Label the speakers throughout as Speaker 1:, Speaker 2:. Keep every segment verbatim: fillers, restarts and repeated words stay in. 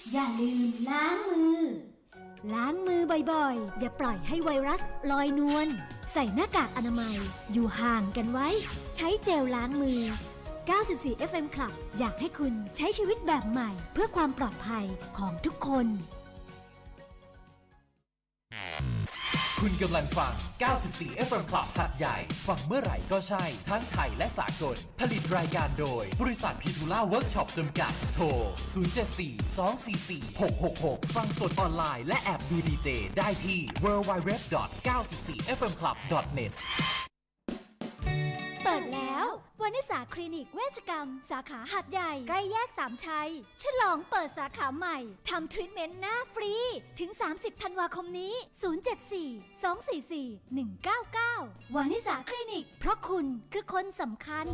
Speaker 1: อย่าลืมล้างมือล้างมือบ่อยๆอย่าปล่อยให้ไวรัสลอยนวลใส่หน้ากากอนามัยอยู่ห่างกันไว้ใช้เจลล้างมือเก้าสิบสี่ เอฟ เอ็ม Club อยากให้คุณใช้ชีวิตแบบใหม่เพื่อความปลอดภัยของทุกคน
Speaker 2: คุณกำลังฟัง เก้าสิบสี่ เอฟ เอ็ม Club หัดใหญ่ ฟังเมื่อไหร่ก็ใช่ ทั้งไทยและสากล ผลิตรายการโดย บริษัทพีทูล่าเวิร์กช็อปจำกัด โทร ศูนย์ เจ็ด สี่ สอง สี่ สี่ หก หก หก ฟังสดออนไลน์และแอบดูดีเจได้ที่ ดับเบิลยู ดับเบิลยู ดับเบิลยู ดอท เก้าสิบสี่ เอฟ เอ็ม คลับ ดอท เน็ต
Speaker 1: เปิดแล้ววานิสาคลินิกเวชกรรมสาขาหาดใหญ่ใกล้แยกสามชัยฉลองเปิดสาขาใหม่ทำทรีทเมนต์หน้าฟรีถึงสามสิบธันวาคมนี้ศูนย์ เจ็ด สี่ สอง สี่ สี่ หนึ่ง เก้า เก้าวานิสาคลินิกเพราะคุณคือคนสำคัญ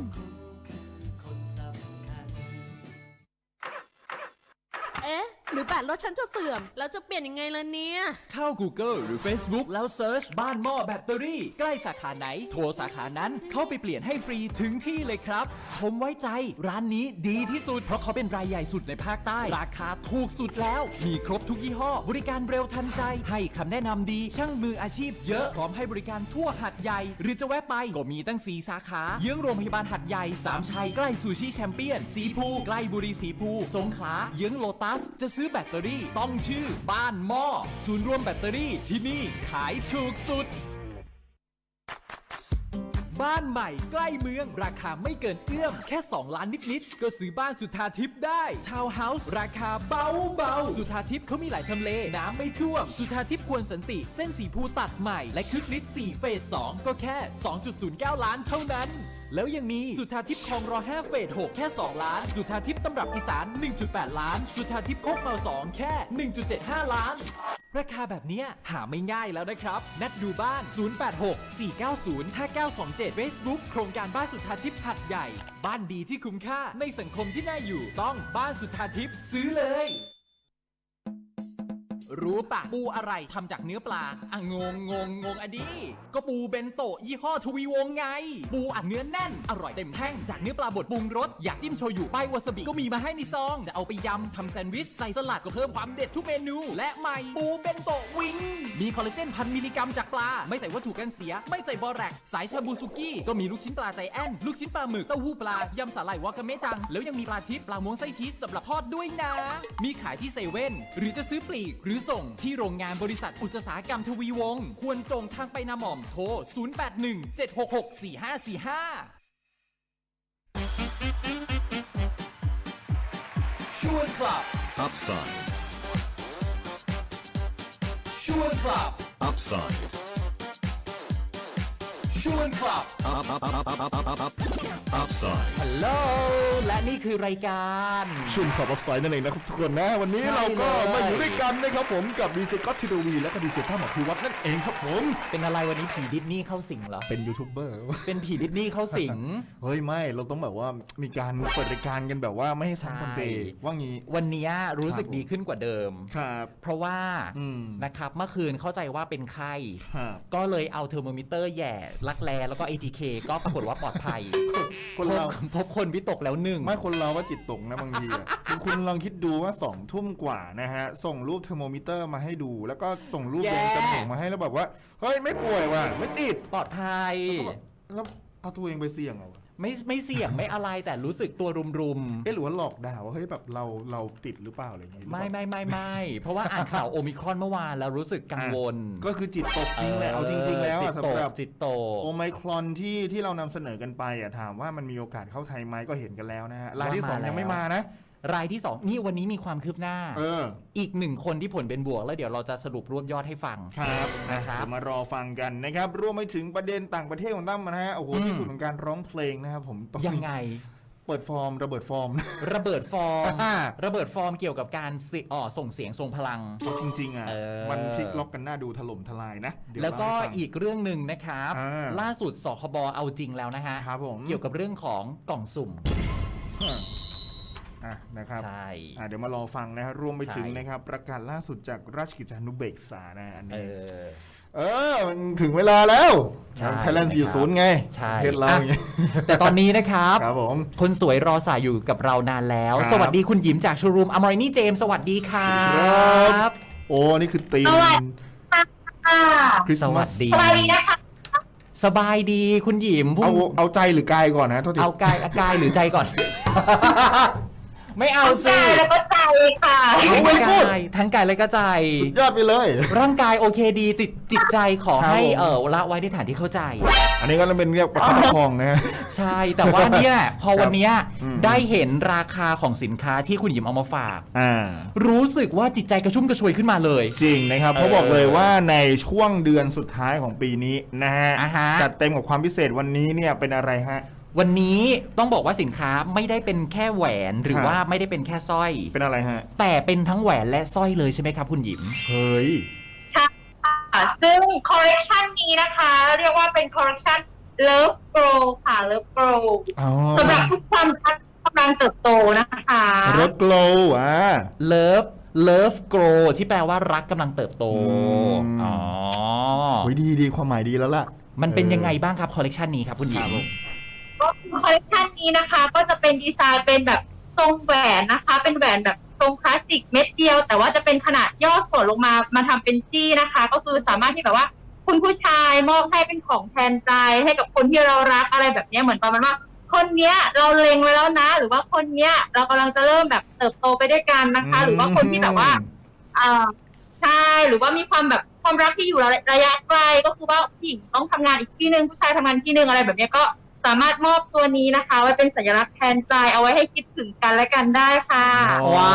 Speaker 3: เอ๊ะหรือแบตรถฉันจะเสื่อมแล้วจะเปลี่ยนยังไงล่ะเนี่ย
Speaker 4: เข้า Google หรือ Facebook แล้วเซิร์ชบ้านหม้อแบตเตอรี่ใกล้สาขาไหนโทรสาขานั้นเข้าไปเปลี่ยนให้ฟรีถึงที่เลยครับผมไว้ใจร้านนี้ดีที่สุดเพราะเขาเป็นรายใหญ่สุดในภาคใต้ราคาถูกสุดแล้วมีครบทุกยี่ห้อบริการเร็วทันใจให้คำแนะนำดีช่างมืออาชีพเยอะพร้อมให้บริการทั่วหัดใหญ่หรือจะแวะไปก็มีตั้งสี่สาขาเยื้องโรงพยาบาลหัดใหญ่สามชัยใกล้ซูชิแชมเปี้ยนสีภูใกล้บุรีสีภูสงขลาเยื้องโลตัสจะซื้อแบตเตอรี่ต้องชื่อบ้านหม้อศูนย์รวมแบตเตอรี่ที่นี่ขายถูกสุดบ้านใหม่ใกล้เมืองราคาไม่เกินเอื้อมแค่สองล้านนิดๆก็ซื้อบ้านสุทธาทิพย์ได้ทาวน์เฮาส์ราคาเบาเบาสุทธาทิพย์เขามีหลายทำเลน้ำไม่ท่วมสุทธาทิพย์ควรสันติเส้นสีภูตัดใหม่และคึกฤทธิ์สี่เฟสสองก็แค่ สองจุดศูนย์เก้า ล้านเท่านั้นแล้วยังมีสุทธาทิพย์คลองรอห้าเฟสหกแค่สองล้านสุทธาทิพย์ตำรับอีสาน หนึ่งจุดแปด ล้านสุทธาทิพย์โคกเมาสองแค่ หนึ่งจุดเจ็ดห้า ล้านราคาแบบเนี้ยหาไม่ง่ายแล้วนะครับนัดดูบ้านศูนย์ แปด หก สี่ เก้า ศูนย์ ห้า เก้า สอง เจ็ด Facebook โครงการบ้านสุทธาทิพย์หัดใหญ่บ้านดีที่คุ้มค่าในสังคมที่น่าอยู่ต้องบ้านสุทธาทิพย์ซื้อเลยรู้ปะปูอะไรทำจากเนื้อปลาอ่ะงงงงงงอะดิก็ปูเบนโตะยี่ห้อทวีวงไงปูอัดเนื้อแน่นอร่อยเต็มแท่งจากเนื้อปลาบดปรุงรสอยากจิ้มโชยุป้ายวาซาบิก็มีมาให้ในซองจะเอาไปยำทำแซนด์วิชใส่สลัดก็เพิ่มความเด็ดทุกเมนูและใหม่ปูเบนโตะวิงมีคอลลาเจนพันมิลลิกรัมจากปลาไม่ใส่วัตถุกันเสียไม่ใส่บอแรกสายชาบูซุกี้ก็มีลูกชิ้นปลาใจแอนลูกชิ้นปลาหมึกเต้าหู้ปลายำสาหร่ายวากาเมะจังแล้วยังมีปลาทิพย์ปลาม้วนไส้ชีสสำหรับทอดด้วยนะมีขายที่เซเว่นหรือจะซื้อปลีกหรือส่งที่โรงงานบริษัทอุตสาหกรรมทวีวงศ์ควรจงทางไปนาหม่อมโทรศูนย์ แปด หนึ่ง เจ็ด หก หก สี่ ห้า สี่ ห้าชวนคลับ
Speaker 5: Upside
Speaker 2: ชวนคลับ
Speaker 5: Upside
Speaker 2: ชวนคลับ
Speaker 5: Up up up up up up up Upside
Speaker 4: ฮัลโหลและนี่คือรายการ
Speaker 6: ชุนขอบอัพไซด์นั่นเองนะครับทุกคนนะวันนี้
Speaker 4: ใช่
Speaker 6: เราก็
Speaker 4: เลย
Speaker 6: มาอยู่ด้วยกันนะครับผมกับดีเจก๊อตทีวีและก็ดีเจตั้มอภิวัฒน์นั่นเองครับผม
Speaker 4: เป็นอะไรวันนี้ผีดิสนีย์เข้าสิงเหรอ
Speaker 6: เป็นยูทูบเบอร์
Speaker 4: เป็นผีดิสนีย์เข้าสิง
Speaker 6: เฮ้ยไม่เราต้องแบบว่ามีการเปิดรายการกันแบบว่าไม่ให้ซ้ำทำเจ
Speaker 4: ใช่
Speaker 6: ว่างี้
Speaker 4: วันนี้รู้สึกดีขึ้นกว่าเดิม
Speaker 6: ครับ
Speaker 4: เพราะว่า
Speaker 6: อืม
Speaker 4: นะครับเมื่อคืนเข้าใจว่าเป็นไข้
Speaker 6: ครับ
Speaker 4: ก็เลยเอาเทอร์โมมิเตอร์แหย่รักแร้แล้วก็ เอ ที เค ก็ปรากฏว่าปลอดภัย
Speaker 6: คนเรา
Speaker 4: พบพบคนวิตกแล้วหนึ่ง
Speaker 6: ไม่คนเราว่าจิตตกนะบางทีอะ คุณคุณลองคิดดูว่าสองทุ่มกว่านะฮะส่งรูปเทอร์โมมิเตอร์มาให้ดู แล้วก็ส่งรูป
Speaker 4: แย่
Speaker 6: เดนจมูกมาให้แล้วแบบว่าเฮ้ยไม่ป่วยว่ะไม่ติด
Speaker 4: ปลอดภัย
Speaker 6: แล้วเอาตัวเองไปเสี่ยงเหรอวะ
Speaker 4: ไม่ไม่เสี่ยง ไม่อะไรแต่รู้สึกตัวรุม
Speaker 6: เอ๊ะหรือว่าหลอกด่าว่าเฮ้ยแบบเราเราติดหรือเปล่าอะไรอย่างงี้หรือ
Speaker 4: ๆ
Speaker 6: เป
Speaker 4: ไม่
Speaker 6: ล่า
Speaker 4: ไม่ไม่ไม่เพราะว่าอ่านข่าวโอมิครอนเมื่อวานแล้วรู้สึกกังวล
Speaker 6: ก็คือจิตตกจริงแหละเอาจริงๆแล้ว
Speaker 4: จิ
Speaker 6: อะ
Speaker 4: ตต
Speaker 6: สำ
Speaker 4: ก
Speaker 6: หรับ
Speaker 4: จิตตก
Speaker 6: โอไมครอนที่ที่เรานำเสนอกันไปอะถามว่ามันมีโอกาสเข้าไทยไหมก็เห็นกันแล้วนะฮะรายที่สอง
Speaker 4: ว่ามา
Speaker 6: ยังไม่
Speaker 4: แล้ว
Speaker 6: มานะ
Speaker 4: รายที่สองนี่วันนี้มีความคืบหน้า
Speaker 6: เออ
Speaker 4: อีกหนึ่งคนที่ผลเป็นบวกแล้วเดี๋ยวเราจะสรุปรวบยอดให้ฟัง
Speaker 6: ครับ
Speaker 4: นะครับ
Speaker 6: เดี๋ยวมารอฟังกันนะครับรวมไปถึงประเด็นต่างประเทศของตั้มนะฮะโอ้โห
Speaker 4: อืม
Speaker 6: ที่สุดของการร้องเพลงนะครับผมตอนนี้
Speaker 4: ยังไง
Speaker 6: เปิดฟอร์มระเบิดฟอร์ม
Speaker 4: ระเบิดฟอร์ม
Speaker 6: อ่า
Speaker 4: ระเบิดฟอร์มเกี่ยวกับการสิอ๋อส่งเสียงทรงพลัง
Speaker 6: จริงๆอ่ะ
Speaker 4: เออ
Speaker 6: มันพลิกล็อกกันหน้าดูถล่มทลายนะเดี๋ย
Speaker 4: แล้วก็
Speaker 6: เาให้ฟัง
Speaker 4: อีกเรื่องหนึ่งนะครับ
Speaker 6: อ่า
Speaker 4: ล่าสุดสคบเอาจริงแล้วนะฮะ
Speaker 6: ครับผม
Speaker 4: เกี่ยวกับเรื่องของกล่องสุ่ม
Speaker 6: อ่ะนะครับ
Speaker 4: ใช่
Speaker 6: อ่ะเดี๋ยวมารอฟังนะฮะรวมไปถึง
Speaker 4: ใช่
Speaker 6: นะครับประกาศล่าสุดจากราชกิจจานุเบกษานะอัน
Speaker 4: เอ
Speaker 6: นี้
Speaker 4: อ
Speaker 6: เออมันถึงเวลาแล้ว
Speaker 4: ใช่
Speaker 6: ไทยแลนด์สี่สิบไง
Speaker 4: ใช่
Speaker 6: ประเทศเรา
Speaker 4: อ่ะ
Speaker 6: อย่างเงี้ย
Speaker 4: แต่ตอนนี้นะครับ
Speaker 6: ครับผม
Speaker 4: คนสวยรอสายอยู่กับเรานานแล้ว
Speaker 6: ครับ
Speaker 4: สวัสดีคุณหยิมจากโชว์รูมอมรินีเจมสวัสดีครั
Speaker 6: ครับ บ โอ้นี่คือธีม
Speaker 7: สวัสดี ค่ะ
Speaker 6: คริส
Speaker 4: ส
Speaker 6: ต์
Speaker 4: วั
Speaker 6: มา
Speaker 4: ส
Speaker 6: ส
Speaker 4: ดี
Speaker 7: สบายดีนะคะ
Speaker 4: สบายดีคุณหยิมพุ่
Speaker 6: เอา
Speaker 4: ง
Speaker 6: เอาใจหรือกายก่อนนะโทษที
Speaker 4: เอากายเอากายหรือใจก่อน ไม่เอา
Speaker 7: ทั้ง
Speaker 4: สิ
Speaker 7: กายแล้วก็ใจค่ะ
Speaker 4: ทั้งกายทั้งกายและก็ใจ
Speaker 6: สุดยอดไปเลย
Speaker 4: ร่างกายโอเคดีติดจิตใจขอให้
Speaker 6: ครับผม
Speaker 4: เออละไว้ในฐานที่เข้าใจ
Speaker 6: อันนี้ก็เป็นเรียกประคับประคองนะฮะ
Speaker 4: ใช่ แต่ว่าเนี่ย พอวันเนี้ย
Speaker 6: อืม
Speaker 4: ได้เห็นราคาของสินค้าที่คุณหยิมเอามาฝาก
Speaker 6: อ่า
Speaker 4: รู้สึกว่าจิตใจกระชุ่มกระชวยขึ้นมาเลย
Speaker 6: จริงนะครับ
Speaker 4: เออ
Speaker 6: เขาบอกเลยว่าในช่วงเดือนสุดท้ายของปีนี้นะฮะ
Speaker 4: อ่าฮะ
Speaker 6: จัดเต็มกับความพิเศษวันนี้เนี่ยเป็นอะไรฮะ
Speaker 4: วันนี้ต้องบอกว่าสินค้าไม่ได้เป็นแค่แหวนหรือ
Speaker 6: ครับ
Speaker 4: ว่าไม่ได้เป็นแค่สร้อย
Speaker 6: เป็นอะไรฮะ
Speaker 4: แต่เป็นทั้งแหวนและสร้อยเลยใช่ไหมครับคุณหยิม
Speaker 6: เฮ้ย
Speaker 7: ค่ะซึ่งคอลเลกชันนี้นะคะ เรียกว่าเป็นคอลเลกชัน Love Grow ค่ะ Love Grow
Speaker 6: อ๋อ
Speaker 7: สำหรับทุกความรักกำลังเติบโตนะคะ
Speaker 6: รถโกลว์อ่า
Speaker 4: Love Love Grow ที่แปลว่ารักกำลังเติบโต
Speaker 6: อืม
Speaker 4: อ๋อ
Speaker 6: โอ้ยดีดีความหมายดีแล้วล่ะ
Speaker 4: มันเป็นยังไงบ้างครับคอลเลกชันนี้ครับคุณหยิม
Speaker 7: ก็คอลเลกชันนี้นะคะ ก็จะเป็นดีไซน์เป็นแบบทรงแหวนนะคะ เป็นแหวนแบบทรงคลาสสิกเม็ดเดียว แต่ว่าจะเป็นขนาดย่อส่วนลงมามาทำเป็นจี้นะคะ ก็คือสามารถที่แบบว่า คุณผู้ชายมอบให้เป็นของแทนใจให้กับคนที่เรารักอะไรแบบเนี้ยเหมือนประมาณว่า คนเนี้ยเราเล็งไว้แล้วนะ หรือว่าคนเนี้ยเรากำลังจะเริ่มแบบเติบโตไปด้วยกันนะคะ หรือว่าคนที่แบบว่าอ่าใช่หรือว่ามีความแบบความรักที่อยู่ระยะไกลก็คือว่าผู้หญิงต้องทำงานอีกที่หนึ่งผู้ชายทำงานที่หนึ่งอะไรแบบเนี้ยก็สามารถมอบตัวนี้นะคะ ไว้เป็นสัญลักษณ์แทนใจเอาไว้ให้คิดถึงกันและกันได้ค่ะ
Speaker 4: ว้าย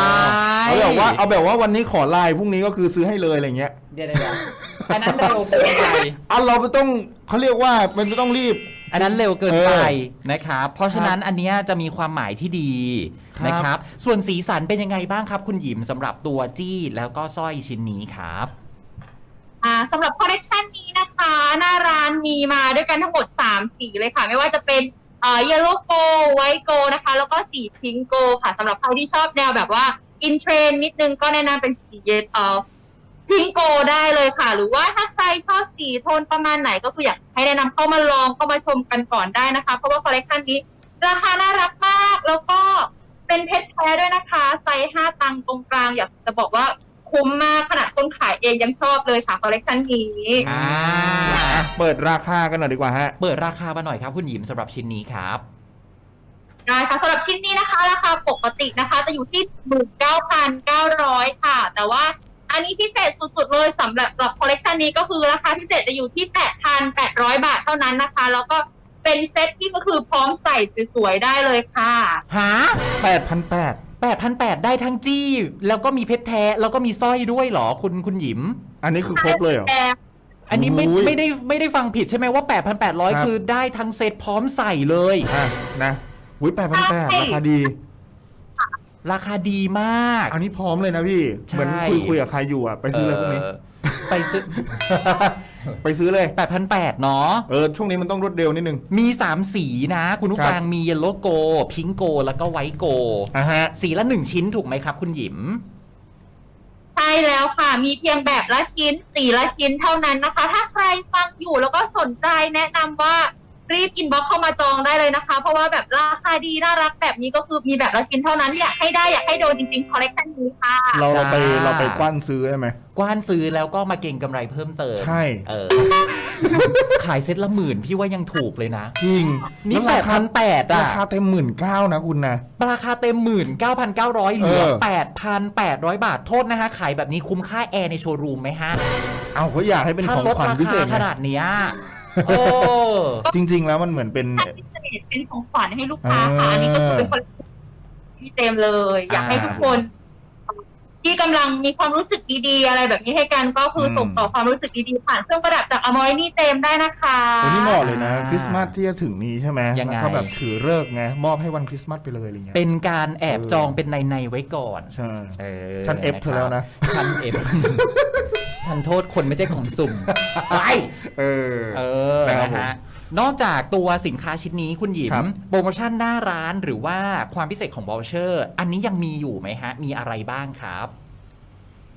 Speaker 6: เอาแบบว่าเอาแบบว่าวันนี้ขอไลน์พรุ่งนี้ก็คือซื้อให้เลยอะไรเงี้ย
Speaker 4: เดี๋ยวเดี๋ยวอันนั้นเร็วเกินไป
Speaker 6: อันเราไม่ต้องเขาเรียกว่ามันจะต้องรีบ
Speaker 4: อันนั้นเร็วเกินไป
Speaker 6: เออ
Speaker 4: นะครับ เพราะฉะนั้นอันเนี้ยจะมีความหมายที่ดี
Speaker 6: ครับ
Speaker 4: นะครับ ส่วนสีสันเป็นยังไงบ้างครับคุณหยิมสำหรับตัวจี้แล้วก็สร้อยชิ้นนี้ครับ
Speaker 7: อ่าสำหรับคอลเลกชันนี้นะคะ หน้าร้านมีมาด้วยกันทั้งหมดสามสีเลยค่ะ ไม่ว่าจะเป็นเอ่อ yellow gold white gold นะคะ แล้วก็สี pink gold ค่ะสำหรับใครที่ชอบแนวแบบว่า in trend นิดนึงก็แนะนำเป็นสีเยเอ่อ pink gold ได้เลยค่ะ หรือว่าถ้าใครชอบสีโทนประมาณไหนก็คืออยากให้แนะนำเข้ามาลองเข้ามาชมกันก่อนได้นะคะ เพราะว่าคอลเลกชันนี้ราคาน่ารักมาก แล้วก็เป็นเพชรแท้ด้วยนะคะไซส์ห้าตังค์ตรงกลางอยากจะบอกว่าคุ้มมากขนาดคนขายเองยังชอบเลยค่ะคอลเลกชันนี้
Speaker 4: อ่า
Speaker 6: อ่ะเปิดราคากันหน่อยดีกว่าฮะ
Speaker 4: เปิดราคามาหน่อยครับคุณหยิมสำหรับชิ้นนี้ครับ
Speaker 7: ได้ค่ะสำหรับชิ้นนี้นะคะ ราคาปกตินะคะ จะอยู่ที่ หนึ่งหมื่นเก้าพันเก้าร้อย ค่ะ แต่ว่าอันนี้พิเศษสุดๆเลยสำหรับคอลเลกชันนี้ก็คือราคาพิเศษจะอยู่ที่ แปดพันแปดร้อย บาทเท่านั้นนะคะ แล้วก็เป็นเซ็ตที่ก็คือพร้อมใส่สวยๆได้เลยค่ะ
Speaker 4: หา
Speaker 6: แปดพันแปด
Speaker 4: แปดพันแปดได้ทั้งจี้ แล้วก็มีเพชรแท้ แล้วก็มีสร้อยด้วยเหรอคุณคุณหยิม
Speaker 6: อันนี้คือครบเลยเหรอ
Speaker 4: อันนี้ไม่
Speaker 6: โอ้ย
Speaker 4: ไม่ได้ไม่ได้ฟังผิดใช่ไหมว่า แปดพันแปดร้อย
Speaker 6: ครับ
Speaker 4: คือได้ทั้งเซตพร้อมใส่เลย
Speaker 6: อ่ะนะอุ้ยแปดพันแปดราคาดี
Speaker 4: ราคาดีมาก
Speaker 6: อันนี้พร้อมเลยนะพี่
Speaker 4: ใช่
Speaker 6: เหมือนคุยคุยกับใครอยู่อ่ะ ไปซื้อเลยพวกนี้
Speaker 4: เออไปซื้อ
Speaker 6: ไปซื้อเลย
Speaker 4: แปดพันแปดเนาะ
Speaker 6: เออ ช่วงนี้มันต้องรวดเร็วนิดนึง
Speaker 4: มี สาม สีนะ คุณผู้
Speaker 6: ครับ
Speaker 4: ฟังมีเยลโลโกพิงโกแล้วก็ไวท์โก
Speaker 6: อ่ะฮะ
Speaker 4: สีละหนึ่งชิ้นถูกไหมครับคุณหยิม
Speaker 7: ใช่แล้วค่ะ มีเพียงแบบละชิ้นสีละชิ้นเท่านั้นนะคะ ถ้าใครฟังอยู่แล้วก็สนใจแนะนำว่ารีบอินบ็อกเข้ามาจองได้เลยนะคะ เพราะว่าแบบราคาดีน่ารักแบบนี้ก็คือมีแบบละชิ้นเท่านั้นอยากให้ได้อยากให้โดนจริงๆคอลเลกชันนี้ค่ะ
Speaker 6: เราเราไป
Speaker 4: จ้า
Speaker 6: เราไปกว้านซื้อใช่ไหม
Speaker 4: กว้านซื้อแล้วก็มาเก็งกำไรเพิ่มเติม
Speaker 6: ใช่
Speaker 4: เออ ขายเซ็ตละหมื่นพี่ว่ายังถูกเลยนะ
Speaker 6: จริง
Speaker 4: นี่
Speaker 6: ล้ว
Speaker 4: แป
Speaker 6: รา
Speaker 4: ด
Speaker 6: คา
Speaker 4: พันแปดอะ
Speaker 6: ราคาเต็มหมื่นเก้านะคุณนะ
Speaker 4: ราคาเต็มหมื่นเก้าพันเก้าร้อยเหลือ
Speaker 6: เออ
Speaker 4: แปดพันแปดร้อยบาทโทษนะฮะ ขายแบบนี้คุ้มค่าแอร์ในโชว์รูมไหมฮะ
Speaker 6: เอาก็อยากให้เป็น
Speaker 4: ถ้า
Speaker 6: ของ
Speaker 4: ลด
Speaker 6: ขวัญ
Speaker 4: รา
Speaker 6: พิเศ
Speaker 4: คา
Speaker 6: ษ
Speaker 4: ข
Speaker 6: ไง
Speaker 4: นาดเนี้ยโอ้
Speaker 6: จริง ๆ แล้วมันเหมือนเป็น
Speaker 7: พิเศษเป็นของขวัญให้ลูกค้าค่ะ อันนี้ก็คือเป็นคนที่เต็มเลย อยากให้ทุกคน ที่กำลังมีความรู้สึกดีๆอะไรแบบนี้ให้กันก็คือส่งต่อความรู้สึกดีๆผ่านเครื่องประดับจากอมอร์นี่เต็มได้นะคะ
Speaker 6: โอ้นี่เหมาะเลยนะ คริสต์มาสที่จะถึงนี้ใช่ไหม
Speaker 4: ยังไง
Speaker 6: แล้วก็แบบถือเลิกษ์ไง มอบให้วันคริสต์มาสไปเลยอะไรเงี้ย
Speaker 4: เป็นการแอบ
Speaker 6: เออ
Speaker 4: จองเป็นในในๆไว้ก่อน
Speaker 6: ใช่
Speaker 4: เออ
Speaker 6: ฉัน F เธอแล้วนะ
Speaker 4: ฉันเอฟ ทันโทษคนไม่ใช่ของสุ่มไป
Speaker 6: เออ
Speaker 4: เออ
Speaker 6: นะครับ
Speaker 4: นะ
Speaker 6: ผม
Speaker 4: ฮะ นอกจากตัวสินค้าชิ้นนี้คุณหยิ
Speaker 6: ครั
Speaker 4: ม
Speaker 6: บ
Speaker 4: โปรโมชั่นหน้าร้านหรือว่าความพิเศษของ voucher อันนี้ยังมีอยู่ไหมฮะ มีอะไรบ้างครับ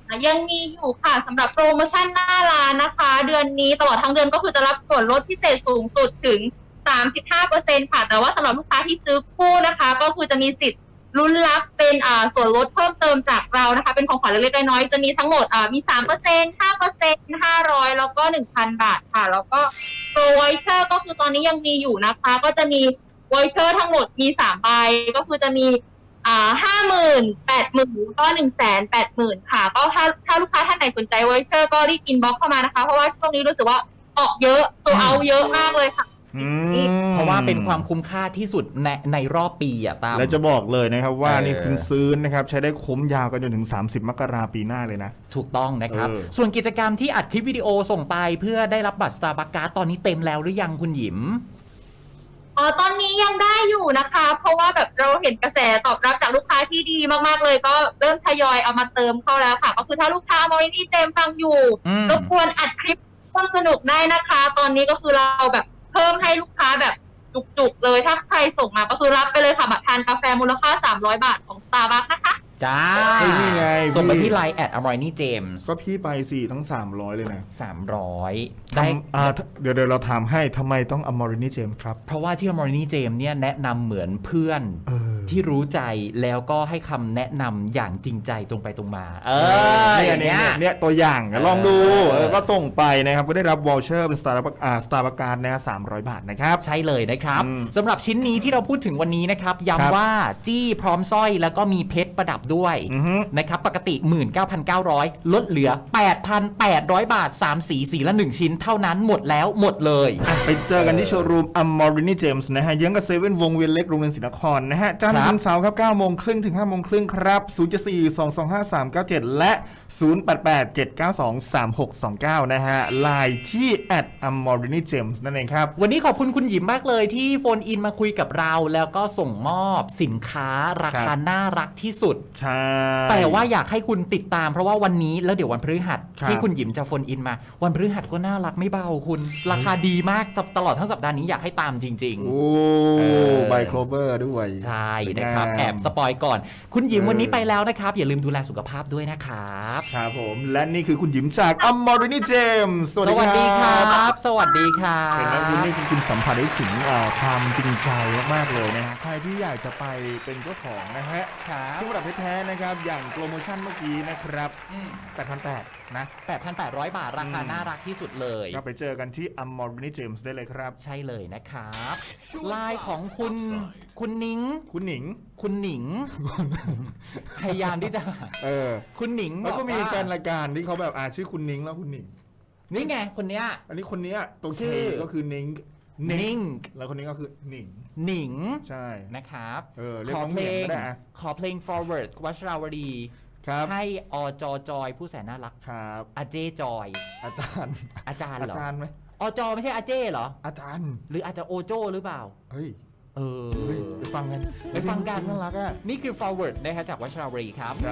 Speaker 7: ยังมีอยู่ค่ะสำหรับโปรโมชั่นหน้าร้านนะคะ เดือนนี้ตลอดทั้งเดือนก็คือจะรับส่วนลดพิเศษสูงสุดถึง สามสิบห้าเปอร์เซ็นต์ ค่ะแต่ว่าสำหรับลูกค้าที่ซื้อคู่นะคะ ก็คือจะมีสิทธิ์ลุ้นรับเป็นอ่าส่วนลดเพิ่มเติมจากเรานะคะเป็นของขวัญเล็กๆน้อยๆจะมีทั้งหมดอ่ามี สามเปอร์เซ็นต์ ห้าเปอร์เซ็นต์ ห้าร้อยแล้วก็ หนึ่งพัน บาทค่ะแล้วก็โปรไวเชอร์ก็คือตอนนี้ยังมีอยู่นะคะ ก็จะมีไวเชอร์ทั้งหมดมีสามใบก็คือจะมีอ่าห้าหมื่นแปดหมื่นก็หนึ่งแสนแปดหมื่นค่ะก็ถ้าถ้าลูกค้าท่านไหนสนใจไวเชอร์ก็รีบอินบ็อกเข้ามานะคะเพราะว่าช่วงนี้รู้สึกว่าออกเยอะตัวเอาเยอะมากเลยค่ะ
Speaker 6: อืม
Speaker 8: เพราะว่าเป็นความคุ้มค่าที่สุดในในรอบปีอะตาม
Speaker 6: และจะบอกเลยนะครับว่า
Speaker 8: เออ
Speaker 6: นี่คุณซื้อนะครับใช้ได้คุ้มยาวกันจนถึง สามสิบ มกราปีหน้าเลยนะ
Speaker 8: ถูกต้องนะครับ
Speaker 6: เออ
Speaker 8: ส่วนกิจกรรมที่อัดคลิปวิดีโอส่งไปเพื่อได้รับบัตร Starbucks Card ตอนนี้เต็มแล้วหรือยังคุณหยิม
Speaker 7: อ๋อตอนนี้ยังได้อยู่นะคะ เพราะว่าแบบเราเห็นกระแสตอบรับจากลูกค้าที่ดีมากๆเลย ก็เริ่มทยอยเอามาเติมเข้าแล้วค่ะ ก็คือถ้าลูกค้ามอรินี่เจมฟังอยู่
Speaker 8: อืม
Speaker 7: รบกวนอัดคลิปความสนุกได้นะคะ ตอนนี้ก็คือเราแบบเพิ่มให้ลูกค้าแบบจุกๆเลยถ้าใครส่งมาก็คือรับไปเลยค่ะบัตรทานกาแฟมูลค่าสามร้อยบาทของ Starbucks นะคะ
Speaker 8: จ้า
Speaker 6: เฮ้ยนี่ไง
Speaker 8: ส่งไป
Speaker 6: พี่
Speaker 8: ที่ ไลน์ แอท อมรนี่เจมส์
Speaker 6: ก็พี่ไปสี่ทั้ง สามร้อย เลยนะ
Speaker 8: สามร้อยได้
Speaker 6: ทำอ่าเดี๋ยวเดี๋ยวเราถามให้ทำไมต้องอมรินีเจมส์ครับ
Speaker 8: เพราะว่าที่อมรนี่เจมส์เนี่ยแนะนำเหมือนเพื่อน
Speaker 6: เออ
Speaker 8: ที่รู้ใจแล้วก็ให้คำแนะนำอย่างจริงใจตรงไปตรงมา เออ
Speaker 6: เนี่ย
Speaker 8: อย่าง
Speaker 6: เนี่
Speaker 8: เงี้
Speaker 6: ย
Speaker 8: ย
Speaker 6: เนี่ยตัวอย่างลองดู
Speaker 8: เออ
Speaker 6: เออก็ส่งไปนะครับก็ได้รับวอลเชอร์เป็นสตาร์บัคอ่าสตาร์บัคการ์ดนะสามร้อยบาทนะครับ
Speaker 8: ใช่เลยนะครับ
Speaker 6: อืม
Speaker 8: สำหรับชิ้นนี้ที่เราพูดถึงวันนี้นะครับ
Speaker 6: ครับ
Speaker 8: ย้ำว่าจี้พร้อมสร้อยแล้วก็มีเพชรประดับด้วย
Speaker 6: อือฮึ
Speaker 8: นะครับปกติ หนึ่งหมื่นเก้าพันเก้าร้อย ลดเหลือ แปดพันแปดร้อย บาท สาม สีสีละ หนึ่ง ชิ้นเท่านั้นหมดแล้วหมดเลย
Speaker 6: ไปเจอกันที่โชว์รูมอมรินีเจมส์นะฮะเยื้องกับเซเว่นวงเวียนเล็กโรงเรียนศรีนครนะฮะจันท
Speaker 8: ค
Speaker 6: ร์
Speaker 8: รับ
Speaker 6: ถึงเสาร์ครับเก้าโมงครึ่งถึงห้าโมงครึ่งครับศูนย์ สี่ สอง สอง ห้า สาม เก้า เจ็ดและศูนย์ แปด แปด เจ็ด เก้า สอง สาม หก สอง เก้านะฮะไลน์ที่แอดอมรินีเจมส์นั่นเองครับ
Speaker 8: วันนี้ขอบคุณคุณหยิมมากเลยที่โฟนอินมาคุยกับเรา แล้วก็ส่งมอบสินค้ารา
Speaker 6: ครั
Speaker 8: คา
Speaker 6: บ
Speaker 8: น่ารักที่สุด
Speaker 6: ใช่
Speaker 8: แต่ว่าอยากให้คุณติดตามเพราะว่าวันนี้แล้วเดี๋ยววันพฤหัส
Speaker 6: ครับ
Speaker 8: ที่คุณหยิมจะโฟนอินมา วันพฤหัสก็น่ารักไม่เบาคุณ ราคาดีมากตลอดทั้งสัปดาห์นี้อยากให้ตามจริง
Speaker 6: โอ้
Speaker 8: เออ
Speaker 6: ใบโคลเวอร์ด้วย
Speaker 8: ๆ ใช่
Speaker 6: สวยงาม
Speaker 8: นะครับแอบสปอยก่อน คุณหยิม
Speaker 6: เออ
Speaker 8: วันนี้ไปแล้วนะครับ อย่าลืมดูแลสุขภาพด้วยนะครับ
Speaker 6: ครับผมและนี่คือคุณหยิมจากอมรินีเจมส์
Speaker 8: สวัสดีครับ สวัสดีครับ
Speaker 6: เห็นไหมคุณนี่คุณสัมผัสได้ถึงอ่าความจริงใจมากๆเลยนะฮะใครที่อยากจะไปเป็นเจ้าของนะฮะ
Speaker 8: ครับ
Speaker 6: เครื่องประดับเพชรแท้นะครับอย่างโปรโมชั่นเมื่อกี้นะครับ
Speaker 8: อืม
Speaker 6: แปดพันแปดร้อย นะ
Speaker 8: แปดพันแปดร้อย บาท ราคา
Speaker 6: อืม
Speaker 8: น่ารักที่สุดเลย
Speaker 6: ก็ไปเจอกันที่อมรินีเจมส์ได้เลยครับ
Speaker 8: ใช่เลยนะครับไลน์ของคุณคุณนิ้ง
Speaker 6: คุณหนิง
Speaker 8: คุณหนิง พยายามที่จะ
Speaker 6: เออ
Speaker 8: คุณหนิง
Speaker 6: แล้วก็มี
Speaker 8: บอกา
Speaker 6: แฟนรายการที่เขาแบบอ่าชื่อคุณนิ้งแล้วคุณหนิง
Speaker 8: นี่ไงคนเนี้ย
Speaker 6: อันนี้คนเนี้ยตัว
Speaker 8: ชื่
Speaker 6: เค
Speaker 8: อ
Speaker 6: ก็คือนิ้ง
Speaker 8: นิ้ง
Speaker 6: แล้วคนนี้ก็คือหนิง
Speaker 8: หนิง
Speaker 6: ใช่
Speaker 8: นะครับ
Speaker 6: เออเรียก
Speaker 8: ขอ
Speaker 6: น้อง
Speaker 8: เพ
Speaker 6: เห
Speaker 8: ล
Speaker 6: มียง
Speaker 8: ง
Speaker 6: ก็ได้อะ
Speaker 8: ขอเพลง forward วัชราวดี
Speaker 6: ครับ
Speaker 8: ให้อจอจอยผู้แสนน่ารัก
Speaker 6: ครับ
Speaker 8: อาเจจอย
Speaker 6: อาจารย์
Speaker 8: อาจารย์
Speaker 6: อา
Speaker 8: เหรอ
Speaker 6: จารย์ไหม
Speaker 8: อจอไม่ใช่อาเจเหรอ
Speaker 6: อาจารย์
Speaker 8: หรืออาจจะโอโจหรือเปล่า
Speaker 6: เฮ้ย
Speaker 8: เออ
Speaker 6: เฮ้ยไปฟังกัน
Speaker 8: ไปฟังกัน
Speaker 6: น่ารักอ่ะ
Speaker 8: นี่คือ forward นะครับจากวัชราวดีครับ
Speaker 6: ครับ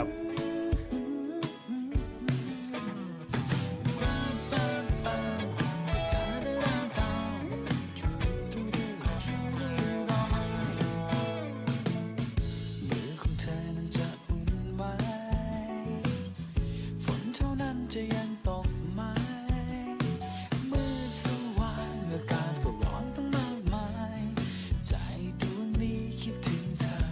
Speaker 9: มือของเธอนั้นจะอุ่นไหมฝนเท่านั้นจะยังตกไหมมืดสว่างอากาศก็ร้อนตั้งมากมายใจดวงนี้คิดถึงเธอ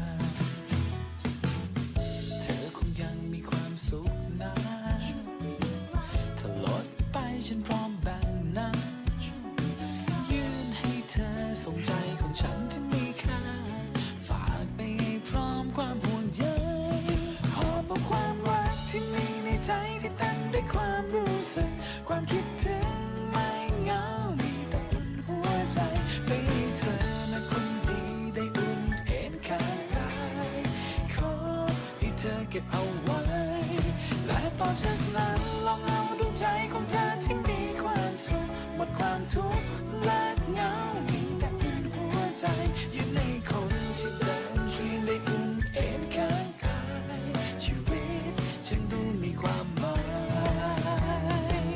Speaker 9: เธอคงยังมีความสุขนะถ้าลดไปฉันพร้อมแบ่งนะยื่นให้เธอส่งใจของฉันที่มีค่าฝากไปให้พร้อมความห่วงใยหอบเอาความรักที่มีในใจที่เต็มด้วยความรู้สึกความคิดถึงไม่เหงามีแต่อุ่นหัวใจไปให้เธอนะคนดีได้อุ่นเอ็นข้างกายขอให้เธอเก็บเอาไว้และต่อจากนั้นลองเอาดวงใจของเธอที่มีความสุขหมดความทุกข์และเหงามีแต่อุ่นหัวใจยืนในคนที่เดินเคียงได้อุ่นเอ็นข้างกายชีวิตฉันดูมีความหมาย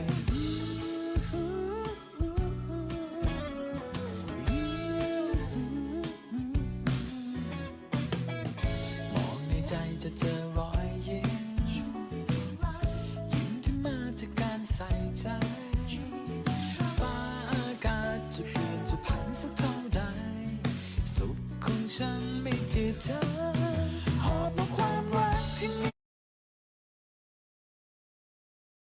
Speaker 9: มองในใจจะเจอรอยยิ้มจืดจาง